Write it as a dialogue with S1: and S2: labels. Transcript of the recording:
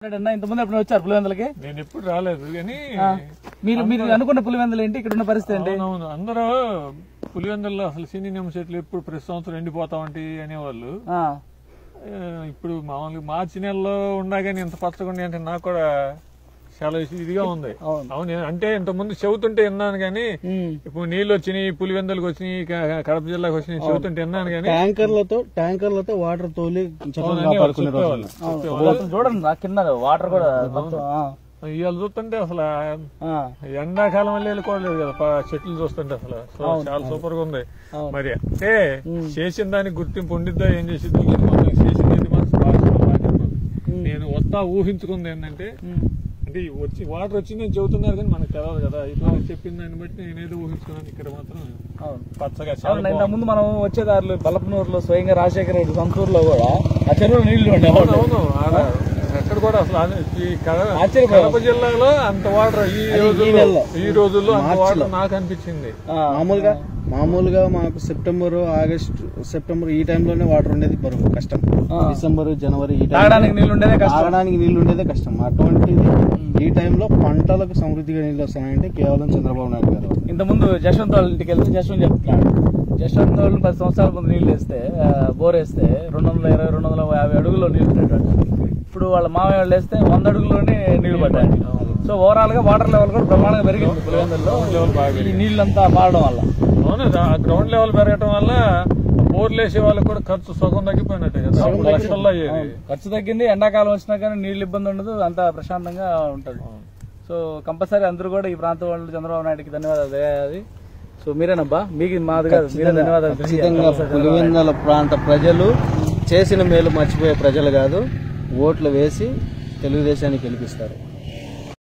S1: ఇంతమంది ఎప్పుడు వచ్చారు పులివెందులకి?
S2: నేను ఎప్పుడు రాలేదు కానీ
S1: మీరు అనుకున్న పులివెందులు ఏంటి, ఇక్కడ ఉన్న పరిస్థితి ఏంటి?
S2: అవును, అందరూ పులివెందుల్లో అసలు సినీ చెట్లు ఎప్పుడు ప్రతి సంవత్సరం ఎండిపోతామంటి అనేవాళ్ళు. ఇప్పుడు మామూలుగా మార్చి నెలలో ఉండగానే ఇంత పచ్చగా అంటే నాకు కూడా చాలా ఇదిగా ఉంది. అవును, అంటే ఇంతకుముందు చెబుతుంటే విన్నాను కానీ ఇప్పుడు నీళ్లు వచ్చినాయి, పులివెందులకు వచ్చినాయి, కడప జిల్లాకు వచ్చినాయి చెబుతుంటే విన్నాను కానీ
S3: ట్యాంకర్లతో వాటర్ తోలి
S1: చూడండి కింద వాటర్ కూడా
S2: ఇవాళ చూస్తుంటే అసలు ఎండాకాలం వల్ల వెళ్ళిపోలేదు కదా చెట్లు చూస్తుంటే అసలు చాలా సూపర్ గా ఉంది. మరి అంటే చేసిన దానికి గుర్తింపు ఉండిద్దా ఏం చేసింది చేసింది నేను వస్తా ఊహించుకుంది ఏంటంటే అంటే వచ్చి వాటర్ వచ్చిందని చెబుతున్నారు కానీ మనకు తెలియదు కదా. ఇట్లా చెప్పిన దాన్ని బట్టి నేనేదో ఊహించుకున్నాను. ఇక్కడ మాత్రం పచ్చగా చాలా
S1: ముందు మనం వచ్చేదారులు బలపనూరులో స్వయంగా రాజశేఖర రెడ్డి సొంతూరులో కూడా ఆ చెరువులో నీళ్లు ఉండేవాళ్ళు.
S2: అవును, ఎక్కడ కూడా అసలు ఈ కడప జిల్లాలో అంత వాటర్ ఈ రోజుల్లో అంత వాటర్ నాకు అనిపించింది.
S3: మామూలుగా మాకు సెప్టెంబర్ ఈ టైంలోనే వాటర్ ఉండేది బరువు కష్టం. డిసెంబర్ జనవరి ఈ తాగడానికి నీళ్లు ఉండేదే కష్టం. అటువంటిది ఈ టైంలో పంటలకు సమృద్ధిగా నీళ్లు వస్తున్నాయంటే కేవలం చంద్రబాబు నాయుడు గారు.
S1: ఇంతకుముందు జశ్వంత్ వాళ్ళ ఇంటికి వెళ్తే జశ్వంత్ చెప్తున్నాడు, జశ్వంత్ వాళ్ళు 10 సంవత్సరాల ముందు నీళ్లు వేస్తే బోర్ వేస్తే 220, 250 అడుగుల్లో నీళ్లు ఉండేటట్టు. ఇప్పుడు వాళ్ళ మామయ్య వాళ్ళు వేస్తే 100 అడుగుల్లోనే నీళ్లు పడ్డాయి. సో ఓవరాల్ గా వాటర్ లెవెల్ కూడా బ్రహ్మాండంగా పెరిగింది పులివెందుల్లో ఈ నీళ్లంతా మారడం వల్ల.
S2: అవును, గ్రౌండ్ లెవెల్ పెరగటం వల్ల బోర్లు వేసే వాళ్ళకి కూడా ఖర్చు సగం తగ్గిపోయినట్టే కదా, లక్షల్లో అయ్యేది.
S1: ఖర్చు తగ్గింది, ఎండాకాలం వచ్చినా కానీ నీళ్లు ఇబ్బంది ఉండదు, అంతా ప్రశాంతంగా ఉంటది. సో కంపల్సరీ అందరూ కూడా ఈ ప్రాంతం వాళ్ళు చంద్రబాబు నాయుడుకి ధన్యవాదాలు తెలియాలి. సో మీరేనబ్బా, మీకు మాది కాదు, మీరే ధన్యవాదాలు.
S3: పులివెందుల ప్రాంత ప్రజలు చేసిన మేలు మర్చిపోయే ప్రజలు కాదు, ఓట్లు వేసి తెలుగుదేశానికి గెలిపిస్తారు.